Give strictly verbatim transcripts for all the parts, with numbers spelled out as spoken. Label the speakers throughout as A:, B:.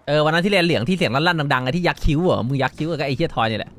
A: ออวันนั้นที่เรียนเหลืองที่เสียงลั่นๆดังๆไอ้ที่ยักคิ้วเหรอมึงยักคิ้วกับไอ้เฮียทอยนี่แหละ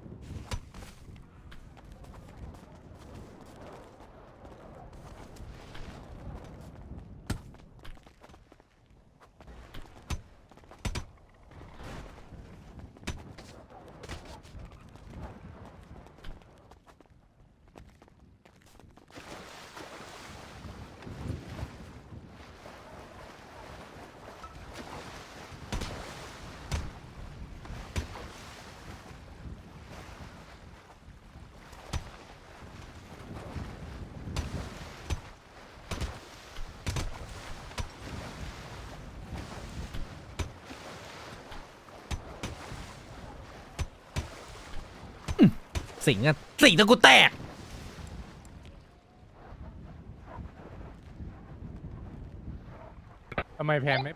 A: สิงอะสิงจนกูแตก
B: ทำไมแพนไม่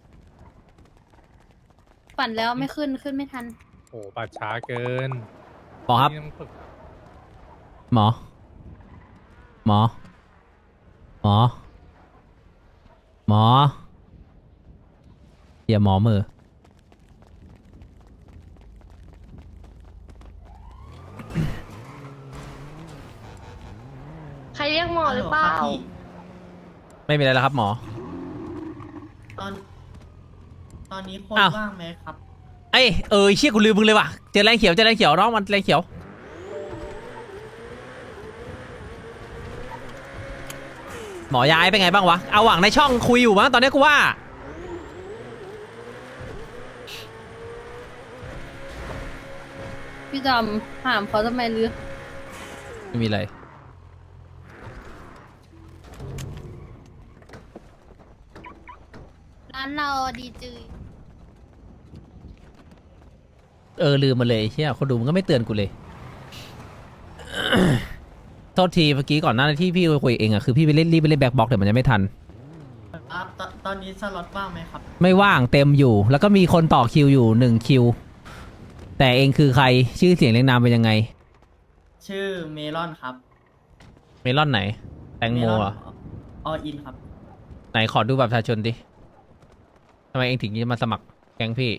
C: ปั่นแล้วไม่ขึ้นขึ้นไม่ทัน
B: โอ้ปัดช้าเกิน
A: หมอครับ
B: นี่ต้องฝึก
A: หมอหมอหมอหมอเฮียหมอมือ
C: ใครเรียกหมอหรือเปล่า
A: ไม่มีอะไรแล้วครับหมอ
D: ตอน ตอนนี้คน
A: อ้าว
D: ว่างไหมครับ
A: ไอ้เออเชี่ยกูลืมมึงเลยว่ะเจอแรงเขียวเจอแรงเขียวน้องมันแรงเขียวหมอย้ายเป็นไงบ้างวะเอาหวังในช่องคุยอยู่มั้งตอนนี้กูว่า
C: พี่จำถามเขาทำไมลือ
A: ไม่มีอะไร
C: ร้านเราดีจืย
A: เออลืมมาเลยเชี่ยคนดูมันก็ไม่เตือนกูเลย โทษทีเมื่อกี้ก่อนหน้าที่พี่คุยเองอะคือพี่ไปเล่นรีบไปเล่นแบ็คบ็อกแต่มันยังไม่ทัน
D: ครับตตอนนี้สล็อตว่างไหมครับ
A: ไม่ว่างเต็มอยู่ แล้วก็มีคนต่อคิวอยู่หนึ่งคิวแต่เองคือใครชื่อเสียงเรียงนามเป็นยังไง
D: ชื่อเมลอนครับ
A: เมลอนไหน แตงโมเหรอ่ะ
D: ออินครับ
A: ไหนขอดูบัตรประชาชนดิทำไมเองถึงจะมาสมัครแก๊งพี่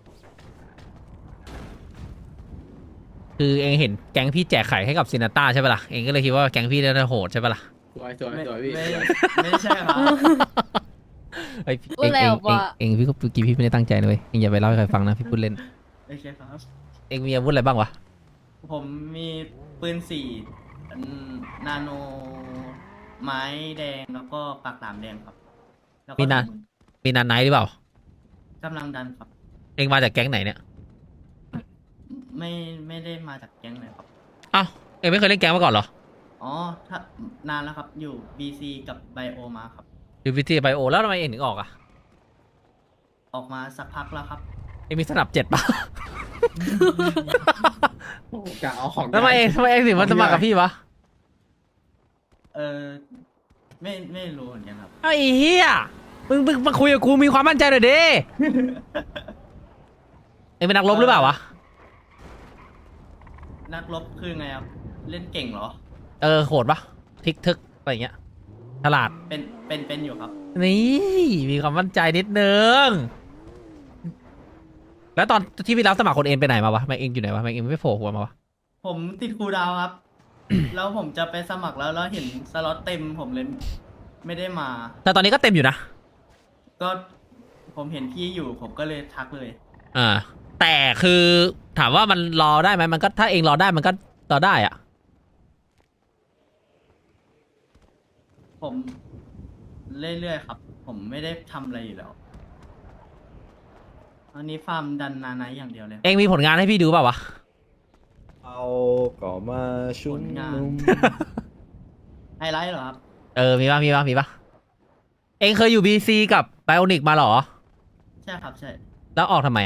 A: คือเองเห็นแก๊งพี่แจกไข่ให้กับซินาต้าใช่ปะล่ะเองก็เลยคิดว่าแก๊งพี่น่าจะโหดใช่ปะล่ะ
E: สวยสวย
D: ไม่
E: สวยพี่
D: ไม่
E: สวย
D: ไม่ใช่ครับ
A: เอ้ยเองเองเองเองพี่ก็เมื่อกี้พี่ไม่ได้ตั้งใจนะเว้ยเองอย่าไปเล่าให้ใครฟังนะพี่พูดเล่น
D: โอเคครับ
A: เองมีอาวุธอะไรบ้างวะ
D: ผมมีปืนสี่อืมนาโน ไม้แดงแล้วก็ปากหลามแดงครับแล้วก็
A: มีนา
D: ถุงมือ
A: มีนานไนท์หรือเปล่า
D: กำลังดันครับ
A: เองมาจากแก๊งไหนเนี่ย
D: ไม่ไม่ได้มาจากแก๊งเลยครับ
A: อ้าวเองไม่เคยเล่นแก๊งมาก่อนเหรอ
D: อ๋อถ้านานแล้วครับ อยู่ บี ซี กับไบโอมาครับ
A: ดูวิธีไบโอแล้วทำไมเองถึงออกอ่ะ
D: ออกมาสักพักแล้วครับ
A: เองมีสนับเจ็ดป่ะ
E: กะเอาของ
A: ทำไมเองทำไมเองถึงมาสมัครกับพี่วะ
D: เออไม่ไม่รู้เหมือนกันครับ
A: ไอ้เหี้ยมึงมึงมาคุยกับกูมีความมั่นใจหน่อยดิ เองเป็นนักรบหรือเปล่าวะ
D: นักรบคือไงครับ เล่นเก่งเหรอ
A: เออโหดปะทิกทึกอะไรอย่างเงี้ยฉลาด
D: เป็นเป็นเป็นอยู่ครับ
A: นี่มีความมั่นใจนิดนึง แล้วตอนที่พี่รับสมัครคนเอ็นไปไหนมาวะแม็กเองอยู่ไหนวะแม็กเองไม่โผล่หัวมาวะ
D: ผมติดครูดาวครับ แล้วผมจะไปสมัครแล้วแล้วเห็นสล็อตเต็มผมเลยไม่ได้มา
A: แต่ตอนนี้ก็เต็มอยู่นะ
D: ก็ผมเห็นพี่อยู่ผมก็เลยทักเลย
A: อ่า แต่คือถามว่ามันรอได้ไหมมันก็ถ้าเองรอได้มันก็รอได้อะ
D: ผมเรื่อยๆครับ ผมไม่ได้ทำอะไรอยู่แล้วอันนี้ฟาร์มดันนาไนท์อย่างเดียวเลย
A: เองมีผลงานให้พี่ดูเปล่าวะ
E: เอาก่อมาชุ
D: ผ
E: ม
D: ลงาน
E: นุม
D: ไฮไลท์เหรอครับ
A: เออมีป่ะมีป่ะมีป่ะเองเคยอยู่บีซีกับไบโอนิกมาเหรอ
D: ใช่ครับใช่
A: แล้วออกทำไมอะ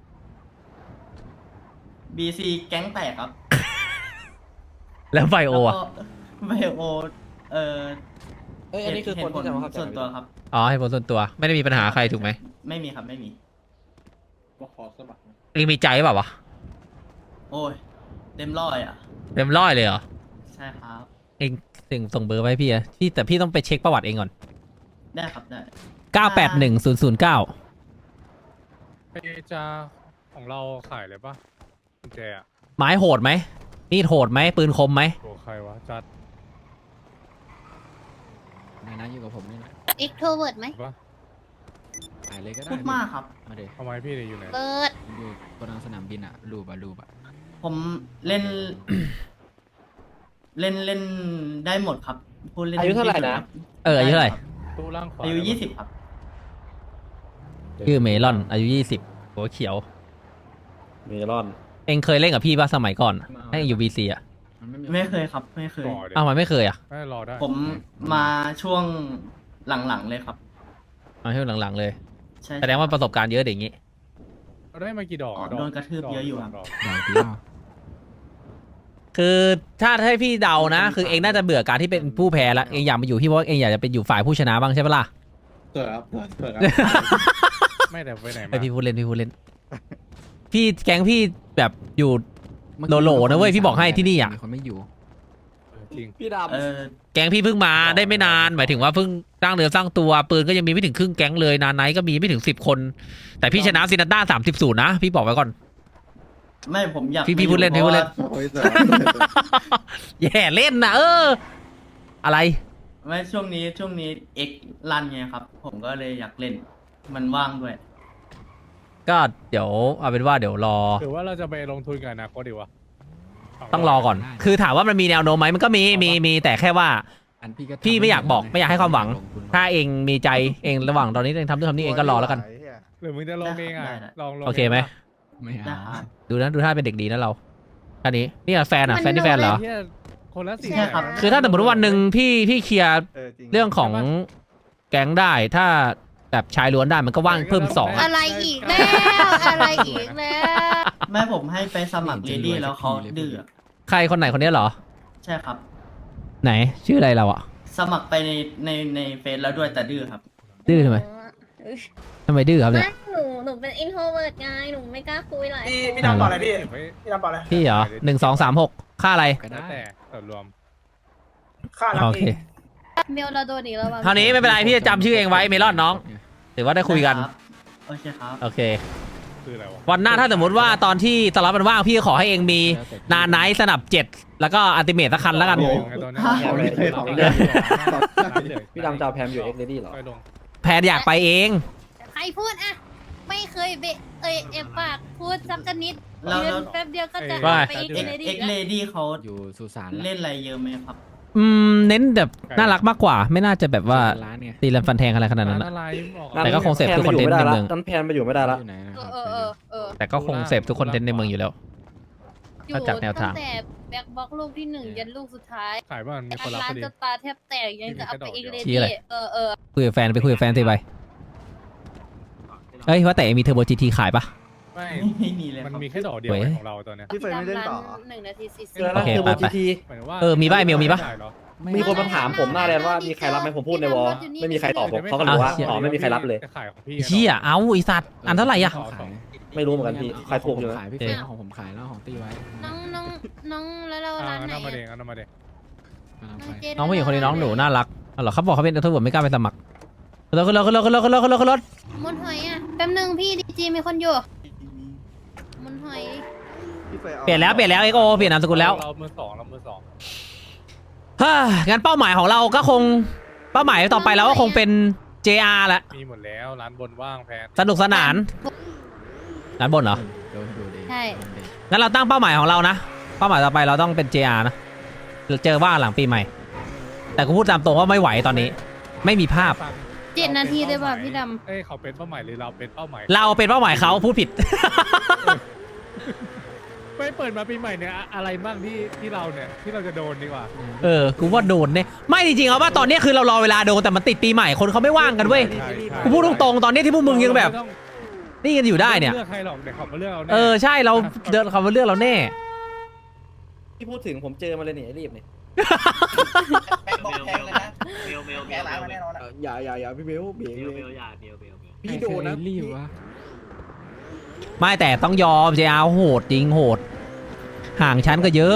D: บีซีแก๊งแตกครับ
A: แล้วไบโออะ
D: ไบโอเออ
E: เอ้ยอันนี้คือคนที่จะมาเข้าใจ
D: ส่วนตัวครับ
A: อ๋อให้ผลส่วนตัวไม่ได้มีปัญหาใครถูกไหม
D: ไม่มีครับไม่มี
E: ก็ขอสมัครนะ
A: เองมีใจเปล่าวะ
D: โอ้ย เต็มร้อยอ่ะ
A: เต็มร้อยเลยเหรอ
D: ใช่ครับ
A: เองส่งส่งเบอร์ไว้ให้พี่อะพี่แต่พี่ต้องไปเช็คประวัติเองก่อน
D: ได้ครับได้
A: เก้าแปดหนึ่งศูนย์ศูนย์เก้า
B: ไอจาของเราขายเลยปะกุญแจอะ
A: ไม้โหดไหมมีดโหดไหมปืนคมไหม
B: โอ้ใครวะจัด
F: นายนะอยู่กับผมนี่นะ
C: เอ็กโทรเวิร์ดไหม
B: ปะ
F: ขายเลยก็ได้
D: พูดมากครับ
F: มาเดี๋ยว
B: ทำไมพี่เนี่ยอยู่ไหน
C: เปิด
F: อยู่บนสนามบินอะรูปอะรูปอะ
D: ผมเล่น เล่นเล่นได้หมดครับพูดเล่น
E: อายุเท่าไหร่นะ
A: เอออายุเท่าไหร่
B: ตู้ล่างขวา
D: อายุยี่สิบครับ
A: ชื่อเมลอนอายุยี่สิบหัวเขียว
E: เมลอน
A: เองเคยเล่นกับพี่ป่ะสมัยก่อนให้เองอยู่บีซีอ่ะ
F: มันไม่มี
D: ไม่เคยครับ ไม่เคย
B: ก่อเดี๋ยว
A: อ้าวมันไม่เคยอ่ะ
B: ไม่รอได้
D: ผมมาช่วงหลังๆเลยครับ
A: มาช่วงหลังๆเลย
D: ใช่
A: แสดงว่าประสบการณ์เยอะเด็กอย่างงี้
B: เราได้มากี่ดอก
D: อ๋อ
B: ดอก
D: โดนกระทืบเยอะอยู่ครับ
B: ดก
F: อย่างเดียว
A: คือถ้าให้พี่เดานะ คือเองน่าจะเบื่อการที่เป็นผู้แพ้ละเองอยากมาอยู่พี่เพราะว่าเองอยากจะเป็นอยู่ฝ่ายผู้ชนะบ้างใช่ปะล่ะ
E: เกิดครับเกิดครับ
B: ไม่แต่ไปไหน
A: ไอ
B: มา
A: พี่พูดเล่นพี่พูดเล่น พี่แก๊งพี่แบบอยู่ โลโลนะเว้ยพี่บอกให้ที่นี่อะ
F: มีคนไม่อยู่
B: เออจริง
E: พี่ดำ
D: เออ
A: แก๊งพี่เพิ่งมาได้ไม่นานหมายถึงว่าเพิ่งสร้างเนื้อสร้างตัวปืนก็ยังมีไม่ถึงครึ่งแก๊งเลยนานไนท์ก็มีไม่ถึงสิบคน แต่พี่ชนะซินาต้าสามสิบศูนย์นะพี่บอกไว้ก่อน
D: ไม่ผมอยาก
A: พี่พี่พูดเล่นพี่พูดเล่น
E: โอ้ยเสือ
A: แย่เล่นนะเออ อะไร
D: ไม่ช่วงนี้ช่วงนี้เอ็กรันไงครับ ผมก็เลยอยากเล่น มันว่างด้วย
A: ก็เดี๋ยวเอาเป็นว่าเดี๋ยวรอ
B: หรือว่าเราจะไปลงทุนกับอนาคตดีวะ
A: ต้องรอก่อน คือถามว่ามันมีแนวโน้มไหมมันก็มีมีมีแต่แค่ว่า
F: อันพี่ก็ทำ
A: พี่ไม่อยากบอกไม่อยากให้ความหวัง
F: ลทุน
A: ถ้าเองมีใจเองระหว่างตอนนี้เองทำนู่นทำนี่เองก็รอแล้วกัน
B: หรือมึงจะลงเองอ่ะ
D: ได้ได้
B: ลองลง
A: โอเคไหม
F: ไม่
D: นะ
F: เอา
D: ครับ
A: ดูนะดูท่าเป็นเด็กดีนะเราอันนี้นี่อะแฟนอะแฟนที่แฟนเหรอ
B: เหี้ยคนละสี่
D: ใช่ครับ
A: คือถ้าสมมติว่าวันหนึ่งพี่พี่เคลียร์เรื่องของแก๊งได้ถ้าแบบชายล้วนได้มันก็ว่างเพิ่มอีกสองอะ
C: อะไรอีกแล้วอะไรอีกแล้ว
D: แม่ผมให้ไปสมัครเลดี้แล้วเขาดื้อ
A: ใครคนไหนคนนี้เหรอ
D: ใช่ครับ
A: ไหนชื่ออะไรเราอะ
D: สมัครไปในในในเฟซแล้วด้วยแต่ดื้อครับ
A: ดื้อทำไมทำไมดื้อครับเนี่ย
G: ไม่หนู หนูเป็น อินโทรเวิร์ต ไง หนูไม่กล้าคุยหลาย
H: พี่
G: คน
H: พี่ดำบอกอะไรพี่
B: เก็บไว้
H: พี่ดำบอกอะไร
A: พี่เหรอหนึ่งสองสามหกค่าอะไร
F: ก็
B: แล้ว
F: ได้
B: แต่ส่วนรวม
H: ค่ารับ
A: โอ
H: เอ
A: เค
H: ง
C: เมลเราโดนอีกแล้วว่ะ
A: เท่านี้ไม่เป็นไรพี่จะจำชื่อเองไว้เมลอนน้องถือว่าได้คุยกัน
D: ครับโอเคครับ
A: โอเค
B: คืออะไรวะ
A: วันหน้าถ้าสมมติว่าตอนที่สล็อตมันว่างพี่ขอให้เองมีนาไนท์สนับเจ็ดแล้วก็อัลติเมทสักคันแล้วกัน
B: โอ้โหตอนนี้
E: ของเลย
B: ข
E: ข
B: อ
E: อง ง
B: เล
E: เลย ยพี่ดำจะเอาแพมอยู่เอ็กเลดี้เหรอ
B: ไปลง
A: แพนอยากไปเอง
C: ใครพูดอะไม่เคยเบะเอยเอฟปากพูดสักนิด
D: แล้ว
C: ยื
D: แล้ว
C: นแป๊บเดียวก็จะ
A: ว่า
C: ไปอีก
D: เอ็ก
C: เลยดิ
D: เอ็กเลดี้เขา
F: อยู่สุสาน
D: เล่นอะไรเยอะไหมครับ
A: อืมเน้นแบบน่ารักมากกว่า ไม่น่าจะแบบว่า
F: ร้านเนี่ย
A: ตีลันฟันแทงอะไรขนาดนั้น
B: ร้
A: อะ
B: อะไรออก
A: แต่ก็คงเสพทุกคอนเทนต์ในเมือง
E: นั้นแพนไปอยู่ไม่ได้ละ
F: อยู่ไหนนะ
C: เอ
F: ครับ
C: อเออเออเออ
A: แต่ก็คงเสพทุกคอนเทนต์ในเมืองอยู่แล้ว
C: อยู่
A: ถ้าจากแนวทาง
C: ตั้งแต่แบ็คบ็อกลูกที่หนึ่งยันลูกสุดท้าย
B: ขายบ้านมีคนรับ
C: ร้า
B: พ
C: น
B: อดี
C: จะตาแทบแตกยังจะเอาไปอีกเลย
A: ชี้อะไร
C: เออเออ
A: คุยกับแฟนไปคุยกับแฟนสิไปเอ้ยว่าแต่มีเทอร์โบจีทีขายปะ
B: ไม่
D: ไม่ไม่มีเลยค
B: มัน
D: รับ
B: มีแค่ดอกเดียว
A: เว้ย
B: ของเราตอนเนี้ย
H: พี่เฟยไม่เล่นต่อ
C: หนึ่งนาทีสี่สิบ
E: เจอ
A: โอ
E: แล้ว
A: เค
E: คือ
A: ไป
E: โบ
A: ไป
E: จีที
B: หมายถึงว่า
A: เออมีป่ะไอ้เมลมีปะ
B: ด้เหรอ
E: มีคนมาถามผมหน้าแดนว่ามีใครรับไหมผมพูดในวอลไม่มีใครตอบผมเขาก็รู้ว่าอ๋อไม่มีใครรับเลย
B: จะขายของพี่
A: เชี่ยเอาไอสัตว์อันเท่าไหร่อะ
F: ขาย
E: ไม่รู้เหมือนกันพี่ใครถูกอยู่
F: ข
E: นะ
F: ายพี่เฟยเอาของผมขายแล้วของตีไว้
C: น้องน้องน้องแล้วเรา
B: อ่า
C: ร้าน
B: เอา
C: ไหน
B: น้ำมาเด
C: อะ
B: งเอาน้ำมาเดง
F: กำลังไป
C: เจ
A: น้องผู้หญิงคนนี้น้องหนูน่ารักอ๋อเหรอเขาบอกเขาเป็นเทอร์โบไม่กล้าไปสมัครขึ้นรถขึ้นรถขึ้นรถขึ้นรถขึ้นรถขึ้นรถขึ้นรถ
C: มุนหอยอะแป๊บนึงพี่ดีจีมีคนอยู่มุนหอย
A: เปลี่ยนแล้วเปลี่ยนแล้วเอ็กโอเปลี่ยนนามสกุลแล้ว
B: เรามือสองเรามือสอง
A: ฮ่างั้นเป้าหมายของเราก็คงเป้าหมายต่อไปเราก็คงเป็น เจ อาร์ แหละ
B: มีหมดแล้วร้านบนว่างแพน
A: สนุกสนานร้านบนเหรอ
F: เดี๋ยวดูดิ
C: ใช่
A: งั้นเราตั้งเป้าหมายของเรานะเป้าหมายต่อไปเราต้องเป็น เจ อาร์ นะเจอว่าหลังปีใหม่ แต่กูพูดตามตรงว่าไม่ไหวตอนนี้ ไม่มีภาพ
C: เจ็ดนาทีเลยว่ะพี่ด
B: เอ้ยเขาเป็นเป้าหมายหรือเราเป็นเป้าหมาย
A: เราเป็นเป้าหมายเขาพูดผิด
B: ไม่เปิดมาปีใหม่เนี่ยอะอะไรบ้างที่ที่เราเนี่ยที่เราจะโดนดีกว่า
A: เออกูว่าโดนเนี่ยไม่จริงๆเอาว่าตอนนี้คือเรารอเวลาโดนแต่มันติดปีใหม่คนเขาไม่ว่างกันเว้ย
B: ใช่ใช่
A: กูพูดตรงๆตอนนี้ที่พวกมึงยังแบบ
B: เราไม่ต้อง
A: นี่กันอยู่ได้เนี่ย
B: เลือกใครหรอกเดี๋ยวเขามาเลือกเราแน่
A: เออใช่เราเดินเขามาเลือกเราแน่
E: ที่พูดถึงผมเจอมาเลยเนี่ยรีบเนี่ย
H: แบงค์บอกแพงเลยนะเบลเบลแพ้ร้ายมาแน่นอนอะ
E: อย่าอย่าอย่าพี่เบลเบล
H: เบลเบลอย่าเบลเบลเบล
E: พี่โดนนะ
F: ใครรีบวะ
A: ไม่แต่ต้องยอม เจ อาร์ โหดจริงโหด ห่างชั้นก็เยอะ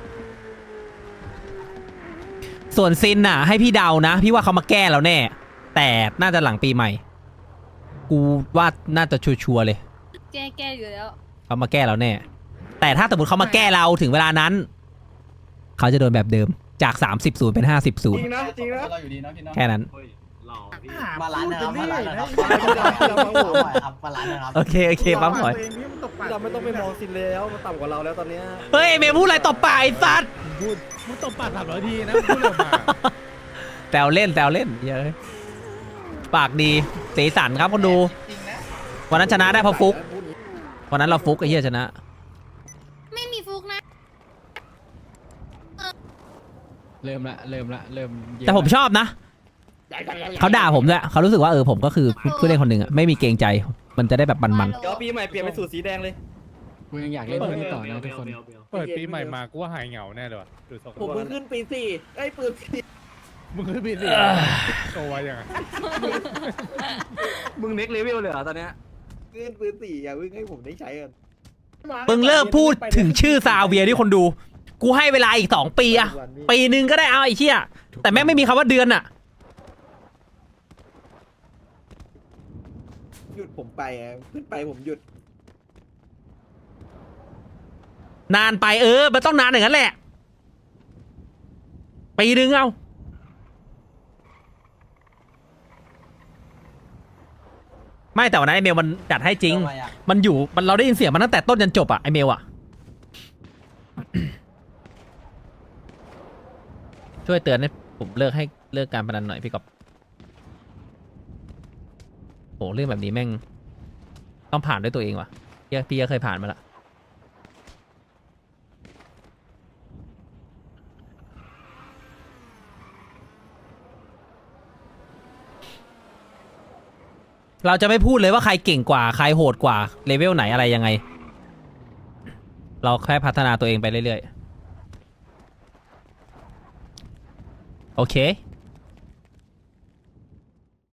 A: ส่วนซินน่ะ ให้พี่เดานะ พี่ว่าเขามาแก้แล้วแน่ แต่น่าจะหลังปีใหม่ กูว่าน่าจะชัวร์ๆเลย
C: แก้แก้อยู่แล้ว
A: เขามาแก้เราแน่ แต่ถ้าสมมติเขามาแก้เราถึงเวลานั้น เขาจะโดนแบบเดิมจากสามสิบศูนย์เป็นห้าสิบศูน
E: จ
A: ย์
E: ริงนะจริงนะ
H: เราอยู่ดีเนาะพี่เนาะ
A: แค่นั้น
H: มาร้านนะครับมาร้านนะครับ
E: เรามาโห
H: ครับมาร้านนะครับ
A: โอเคโอเคปั๊มหน่อย
E: เราไม่ต้องไปมองซินแล้วมันต่ำกว่าเราแล้วตอนเนี้ย
A: เฮ้ยเมย์พูดอะไรตบปากไอ้สัตว์
B: พูดมึงตบปากสามร้อยทีนะมึงพูดออกมา
A: แซวเล่นแซวเล่นเหี้ยอะปากดีสีสันครับคนดู
H: จริงนะ
A: วันนั้นชนะได้เพราะฟุกวันนั้นเราฟุกไอ้เหี้ยชนะ
C: ไม่มีฟุกนะ
F: เริ่มละเริ่มละเริ่มเยอะ
A: แต่ผมชอบนะเขาด่าผมด้วยเขารู้สึกว่าเออผมก็คือผู้เล่นคนหนึ่งอะไม่มีเกรงใจ มันจะได้แบบมัน
E: เดี๋ยวปีใหม่เปลี่ยนเป็นสูตรสีแดงเลย
F: กูยังอยากเล่นเรื่องนี้ต่อนะทุกคน
B: เปิดปีใหม่มากูว่าหายเหงาแน่เลยว่ะดูทรง
E: ผมเพิ่งขึ้นปีสี่ไอ้ยปืนสี่
B: มึงคือปีสี่โตไวยังไง
E: มึงเน็กเลเวลเลยเหรอตอนเนี้ยขึ้นปืนสี่อย่าเพิ่งให้ผมได้ใช้กัน
A: ๆมึงเลิกพูดถึงชื่อซาเวียที่คนดู กูให้เวลาอีกสองปีอะปีหนึ่งก็ได้เอาไอ้เชี่ยแต่แม่งไม่มีคำว่าเดือนอะ
E: หยุดผมไปอ่ะขึ้นไปผมหยุด
A: นานไปเออมันต้องนานอย่างนั้นแหละปีหนึ่งเอาไม่แต่วันนั้นไอเมลมันจัดให้จริง มันอยู่มันเราได้ยินเสียงมันตั้งแต่ต้นจนจบอะไอเมลอะ ช่วยเตือนให้ผมเลิกให้เลิกการพนันหน่อยพี่กอบโหเรื่องแบบนี้แม่งต้องผ่านด้วยตัวเองว่ะพี่พี่ก็เคยผ่านมาละเราจะไม่พูดเลยว่าใครเก่งกว่าใครโหดกว่าเลเวลไหนอะไรยังไง เราแค่พัฒนาตัวเองไปเรื่อยๆโอเค